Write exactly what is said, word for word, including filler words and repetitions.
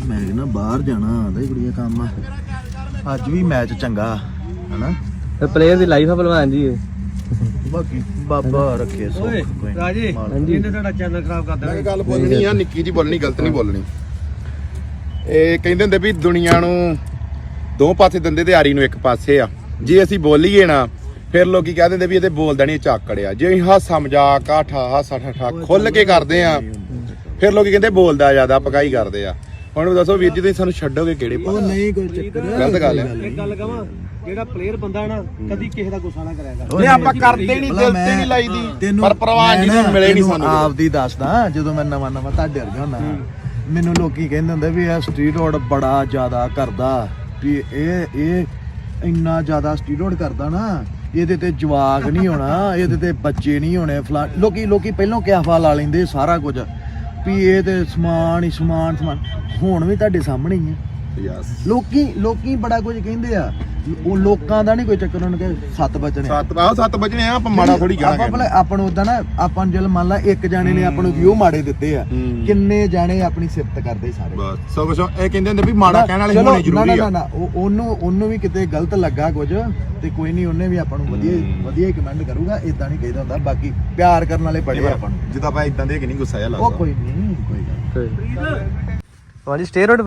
ਮੈਂ ਕਹਿੰਦਾ ਬਾਹਰ ਜਾਣਾ ਆਂਦਾ ਕੁੜੀਆਂ ਕੰਮ ਅੱਜ ਵੀ ਮੈਚ ਚੰਗਾ ਹਨਾ ਤੇ ਪਲੇਅਰ ਦੀ ਲਾਈਫ ਆ ਭਲਵਾਨ ਜੀ ਬਾਕੀ ਬਾਬਾ ਰੱਖੇ ਸੋ ਰਾਜੇ ਇਹਨੇ ਤੁਹਾਡਾ ਚੈਨਲ ਖਰਾਬ ਕਰ ਦੇਣਾ। ਮੈਂ ਗੱਲ ਬੋਲਣੀ ਆ ਨਿੱਕੀ ਜੀ ਬੋਲਣੀ ਗਲਤ ਨਹੀਂ ਬੋਲਣੀ। ਇਹ ਕਹਿੰਦੇ ਹੁੰਦੇ ਵੀ ਦੁਨੀਆ ਨੂੰ ਦੋ ਪਾਸੇ ਦਿੰਦੇ ਤੇ ਆਰੀ ਨੂੰ ਇੱਕ ਪਾਸੇ ਆ। ਜੇ ਅਸੀਂ ਬੋਲੀਏ ਨਾ ਫਿਰ ਲੋਕੀ ਕਹਿ ਦਿੰਦੇ ਵੀ ਇਹਦੇ ਬੋਲਦਾ ਨਹੀਂ ਝਾਕੜ ਆ। ਜੇ ਅਸੀਂ ਹਾਸਾ ਮਜ਼ਾਕ ਆਠਾ ਹਾਸਾ ਠਾਠਾ ਖੁੱਲ ਕੇ ਕਰਦੇ ਆ ਫਿਰ ਲੋਕੀ ਕਹਿੰਦੇ ਬੋਲਦਾ ਜ਼ਿਆਦਾ ਪਕਾਈ ਕਰਦੇ ਆ। ਹੁਣ ਦੱਸੋ ਵੀਰ ਜੀ ਤੁਸੀਂ ਸਾਨੂੰ ਛੱਡੋਗੇ ਕਿਹੜੇ ਉਹ ਪਾਸੇ? ਨਹੀਂ ਕੋਈ ਚੱਕਰ ਗਲਤ ਗੱਲ ਹੈ। ਇੱਕ ਗੱਲ ਕਹਾਂ ਜਿਹੜਾ ਪਲੇਅਰ ਬੰਦਾ ਨਾ ਕਦੀ ਕਿਸੇ ਦਾ ਗੁੱਸਾ ਨਾ ਕਰਿਆ ਕਰ। ਨਹੀਂ ਆਪਾਂ ਕਰਦੇ ਨਹੀਂ ਦਿਲ ਤੇ ਨਹੀਂ ਲਾਈਦੀ ਪਰ ਪ੍ਰਵਾਨ ਜੀ ਨੇ ਮਿਲੇ ਨਹੀਂ ਸਾਨੂੰ। ਆਪਦੀ ਦੱਸਦਾ ਜਦੋਂ ਮੈਂ ਨਵਾਂ ਨਵਾਂ ਤੁਹਾਡੇ ਵਰਗਾ ਹੁੰਦਾ ਮੈਨੂੰ ਲੋਕੀ ਕਹਿੰਦੇ ਹੁੰਦੇ ਵੀ ਇਹ ਸਟੀਰੋਇਡ ਬੜਾ ਜ਼ਿਆਦਾ ਕਰਦਾ ਵੀ ਇਹ ਇਹ ਇੰਨਾ ਜ਼ਿਆਦਾ ਸਟੀਰੋਇਡ ਕਰਦਾ ਨਾ ਇਹਦੇ ਤੇ ਜਵਾਕ ਨਹੀਂ ਹੋਣਾ ਇਹਦੇ ਤੇ ਬੱਚੇ ਨਹੀਂ ਹੋਣੇ ਫਲਾ ਲੋਕੀ ਲੋਕੀ ਪਹਿਲਾਂ ਕਿਆਫਾ ਲਾ ਲੈਂਦੇ ਸਾਰਾ ਕੁਝ ਵੀ ਇਹ ਤੇ ਸਮਾਨ ਹੀ ਸਮਾਨ ਸਮਾਨ ਹੁਣ ਵੀ ਤੁਹਾਡੇ ਸਾਹਮਣੇ ਹੀ ਹੈ। ਯਸ ਲੋਕੀ ਲੋਕੀ ਬੜਾ ਕੁਝ ਕਹਿੰਦੇ ਆ ਉਹ ਲੋਕਾਂ ਦਾ ਨਹੀਂ ਕੋਈ ਚੱਕਰ ਉਹਨਾਂ ਕੇ ਸੱਤ ਬਚਨੇ ਸੱਤ ਆਹ ਸੱਤ ਵਜਣੇ ਆ ਆਪਾਂ ਮਾੜਾ ਥੋੜੀ ਆਪਾਂ ਭਲਾ ਆਪਾਂ ਨੂੰ ਉਦਾਂ ਨਾ ਆਪਾਂ ਨੂੰ ਜਲ ਮੰਨ ਲਾ ਇੱਕ ਜਾਣੇ ਨੇ ਆਪਾਂ ਨੂੰ ਵਿਊ ਮਾੜੇ ਦਿੱਤੇ ਆ ਕਿੰਨੇ ਜਾਣੇ ਆਪਣੀ ਸਿਫਤ ਕਰਦੇ ਸਾਰੇ ਬਸ ਸੋ ਕੁਛ ਇਹ ਕਹਿੰਦੇ ਹੁੰਦੇ ਵੀ ਮਾੜਾ ਕਹਿਣ ਵਾਲੇ ਹੋਣੇ ਜ਼ਰੂਰੀ ਨਾ ਆ। ਨਾ ਨਾ ਉਹ ਉਹਨੂੰ ਉਹਨੂੰ ਵੀ ਕਿਤੇ ਗਲਤ ਲੱਗਾ ਕੁਝ ਤੇ ਕੋਈ ਨਹੀਂ ਉਹਨੇ ਵੀ ਆਪਾਂ ਨੂੰ ਵਧੀਆ ਵਧੀਆ ਕਮੈਂਟ ਕਰੂਗਾ ਇਦਾਂ ਨਹੀਂ ਕਹਿੰਦਾ ਹੁੰਦਾ ਬਾਕੀ ਪਿਆਰ ਕਰਨ ਵਾਲੇ ਬੜੇ ਆ ਆਪਾਂ ਨੂੰ ਜਿੱਦਾਂ ਆਪਾਂ ਇਦਾਂ ਦੇ ਕਿ ਨਹੀਂ ਗੁੱਸਾ ਜਿਹਾ ਉਹ ਲੱਗਦਾ। ਕੋਈ ਨਹੀਂ ਕੋਈ ਗੱਲ ਹਾਂਜੀ ਸਟੇਰੋਇਡ